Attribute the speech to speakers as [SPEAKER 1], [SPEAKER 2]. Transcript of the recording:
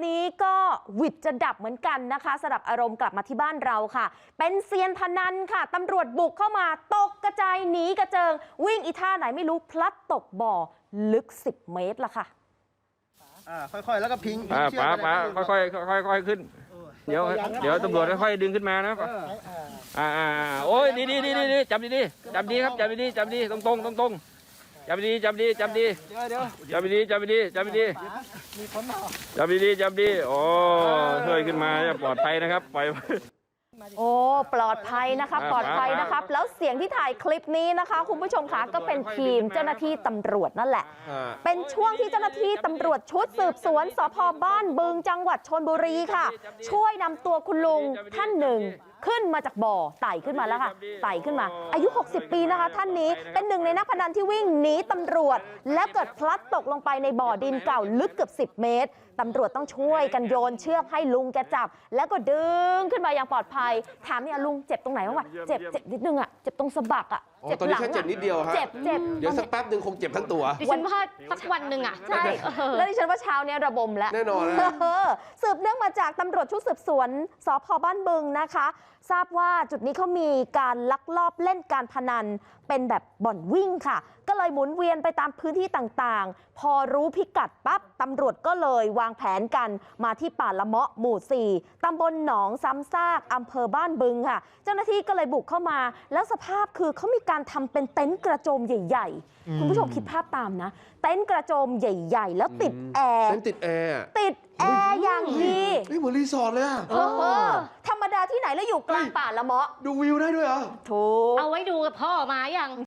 [SPEAKER 1] นี้ก็หวิดจะดับเหมือนกันนะคะสลับอารมณ์กลับมาที่บ้านเราค่ะเป็นเซียนพนันค่ะตำรวจบุกเข้ามาตกกระจายหนีกระเจิงวิ่งอีท่าไหนไม่รู้พลัดตกบ่อลึก10 เมตรละค่ะ
[SPEAKER 2] ค่อยๆแล้วก็พิง
[SPEAKER 3] ป๋าค่อยขึ้นเดี๋ยวตำรวจค่อยๆดึงขึ้นมานะโอ้ยดีจับดีครับจับดีตรงจับดีจับดีโอ้ช่วยขึ้นมาปลอดภัยนะครับปล่อย
[SPEAKER 1] โอ้ปลอดภัยนะคะปลอดภัยนะครับแล้วเสียงที่ถ่ายคลิปนี้นะคะคุณผู้ชมคะก็เป็นทีมเจ้าหน้าที่ตำรวจนั่นแหละเป็นช่วงที่เจ้าหน้าที่ตำรวจชุดสืบสวนสภ.บ้านบึงจังหวัดชลบุรีค่ะช่วยนำตัวคุณลุงท่านหนึ่งขึ้นมาจากบ่อไต่ขึ้นมาแล้วค่ะไต่ขึ้นมาอายุ60 ปีนะคะท่านนี้เป็นหนึ่งในนักพนันที่วิ่งหนีตำรวจและเกิดพลัดตกลงไปในบ่อดินเก่าลึกเกือบ10 เมตรตำรวจต้องช่วยกันโยนเชือกให้ลุงแกจับแล้วก็ดึงขึ้นมาอย่างปลอดภัยถามเนี่ยลุงเจ็บตรงไหนบ้างวะเจ็บนิดนึงอ่ะเจ็บตรงสะบักอ่ะ
[SPEAKER 4] เจ็บตอนนี้แค่เจ็บนิดเดียวฮะ
[SPEAKER 1] เจ็บเ
[SPEAKER 4] ดี๋ยวสักแป๊บหนึ่งคงเจ็บทั้งตัว
[SPEAKER 5] วันว่าสักวันหนึ่งอ่ะ
[SPEAKER 1] ใช่แล้วดิฉันว่าเช้านี้ระบมแล้ว
[SPEAKER 4] แน่นอน
[SPEAKER 1] สืบเนื่องมาจากตำรวจชุดสืบสวนสภ.บ้านบึงนะคะทราบว่าจุดนี้เขามีการลักลอบเล่นการพนันเป็นแบบบ่อนวิ่งค่ะก็เลยหมุนเวียนไปตามพื้นที่ต่างๆพอรู้พิกัดปั๊บตำรวจก็เลยวางแผนกันมาที่ป่าละเมาะหมู่ 4ตำบลหนองซ้ำซากอำเภอบ้านบึงค่ะเจ้าหน้าที่ก็เลยบุกเข้ามาแล้วสภาพคือเขามีการทำเป็นเต็นท์กระโจมใหญ่ๆคุณผู้ชมคิดภาพตามนะเต็นท์กระโจมใหญ่ๆแล้วติดแอร์
[SPEAKER 4] เต็นท์ติดแอร์
[SPEAKER 1] อย่างดี
[SPEAKER 4] นี่เหมือนรีสอร์ทเลย
[SPEAKER 1] ธรรมดาที่ไหนแล้วอยู่กลางป่าละเมาะ
[SPEAKER 4] ดูวิวได้ด้วยเหรอ
[SPEAKER 1] ถูก
[SPEAKER 5] เอาไว้ดูกับพ่อมาอย่าง